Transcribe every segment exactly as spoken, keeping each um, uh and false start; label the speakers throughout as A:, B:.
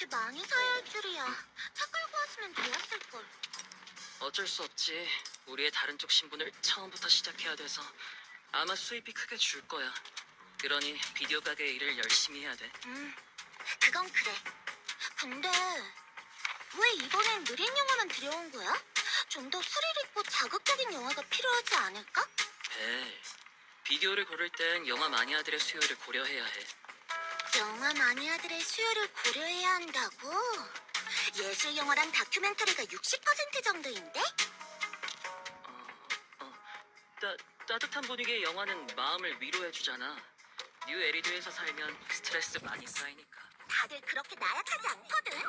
A: 이렇게 많이 사야 할 줄이야. 차 끌고 왔으면 좋았을걸.
B: 어쩔 수 없지. 우리의 다른 쪽 신분을 처음부터 시작해야 돼서 아마 수입이 크게 줄 거야. 그러니 비디오 가게 일을 열심히 해야 돼.
A: 음, 그건 그래. 근데 왜 이번엔 느린 영화만 들여온 거야? 좀 더 스릴 있고 자극적인 영화가 필요하지 않을까?
B: 벨, 비디오를 고를 땐 영화 마니아들의 수요를 고려해야 해.
A: 영화 마니아들의 수요를 고려해야 한다고? 예술 영화랑 다큐멘터리가 육십 퍼센트 정도인데?
B: 어, 어, 따, 따뜻한 분위기의 영화는 마음을 위로해주잖아. 뉴 에리드에서 살면 스트레스 많이 쌓이니까.
A: 다들 그렇게 나약하지 않거든?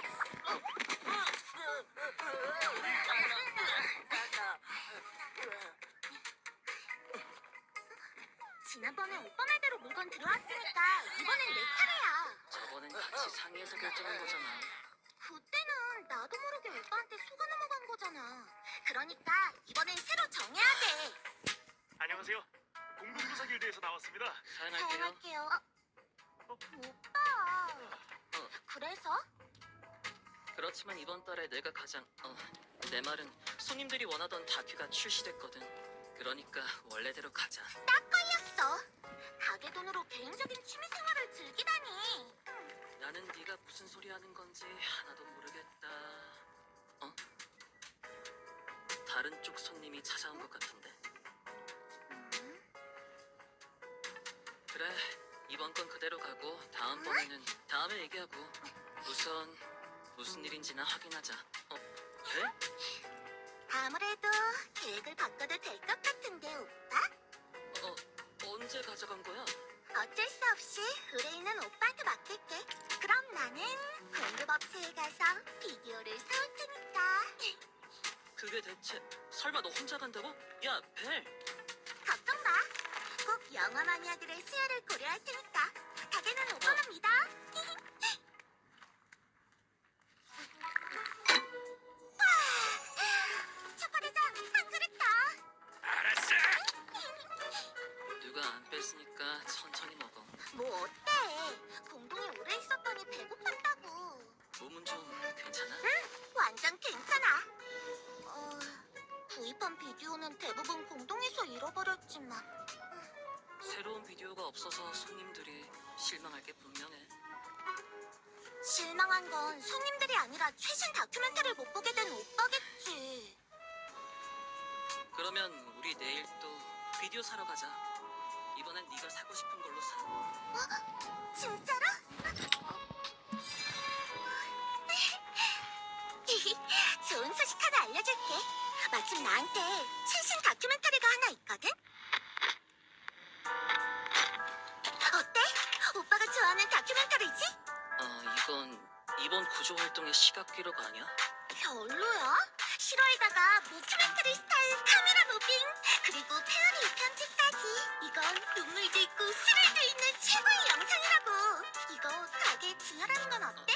A: 지난번에 오빠 말대로 물건 들어왔으니까 이번엔 내 차례야.
B: 저번엔 같이 상의해서 결정한 거잖아.
A: 그때는 나도 모르게 오빠한테 속아 넘어간 거잖아. 그러니까 이번엔 새로 정해야 돼.
C: 안녕하세요. 공군부사 길드에서 나왔습니다.
B: 사연할게요.
A: 사용할게요. 어,
C: 어?
A: 오빠.
B: 어.
A: 그래서?
B: 그렇지만 이번 달에 내가 가장 어, 내 말은 손님들이 원하던 다큐가 출시됐거든. 그러니까 원래대로 가자.
A: 딱 걸렸어. 가게 돈으로 개인적인 취미 생활을 즐기다니.
B: 나는 네가 무슨 소리 하는 건지 하나도 모르겠다. 어? 다른 쪽 손님이 찾아온 것 같은데.
A: 음,
B: 그래, 이번 건 그대로 가고 다음번에는 다음에 얘기하고 우선 무슨 일인지나 확인하자. 어? 네?
A: 아무래도 계획을 바꿔도 될 것 같은데 오빠?
B: 어, 언제 가져간 거야?
A: 어쩔 수 없이 의뢰인은 오빠한테 맡길게. 그럼 나는 공급업체에 가서 비디오를 사올 테니까.
B: 그게 대체 설마 너 혼자 간다고? 야, 벨!
A: 걱정 마. 꼭 영화 마니아들의 수요를 고려할 테니까. 가게는 오빠만 믿어. 와, 초콜릿장 한 그릇 더.
C: 알았어.
B: 누가 안 뺐으니까 천천히 먹어.
A: 뭐 어때? 공동에 오래 있었더니 배고팠다고.
B: 몸은 좀 괜찮아?
A: 응, 완전 괜찮아. 어, 구입한 비디오는 대부분 공동에서 잃어버렸지만.
B: 새로운 비디오가 없어서 손님들이 실망할 게 분명해.
A: 실망한 건 손님들이 아니라 최신 다큐멘터리를 못 보게 된 오빠겠지.
B: 그러면 우리 내일 또 비디오 사러 가자. 이번엔 네가 사고 싶은 걸로 사.
A: 어? 진짜로? 좋은 소식 하나 알려줄게. 마침 나한테 최신 다큐멘터리가 하나 있거든? 어때? 오빠가 좋아하는 다큐멘터리지?
B: 어, 이건 이번 구조 활동의 시각 기록 아니야?
A: 별로야? 실화에다가 모큐멘터리 스타일 카메라 무빙 그리고 페어리 편집까지. 이건 눈물도 있고 스릴도 있는 최고의 영상이라고. 이거 가게에 진열하는 건 어때?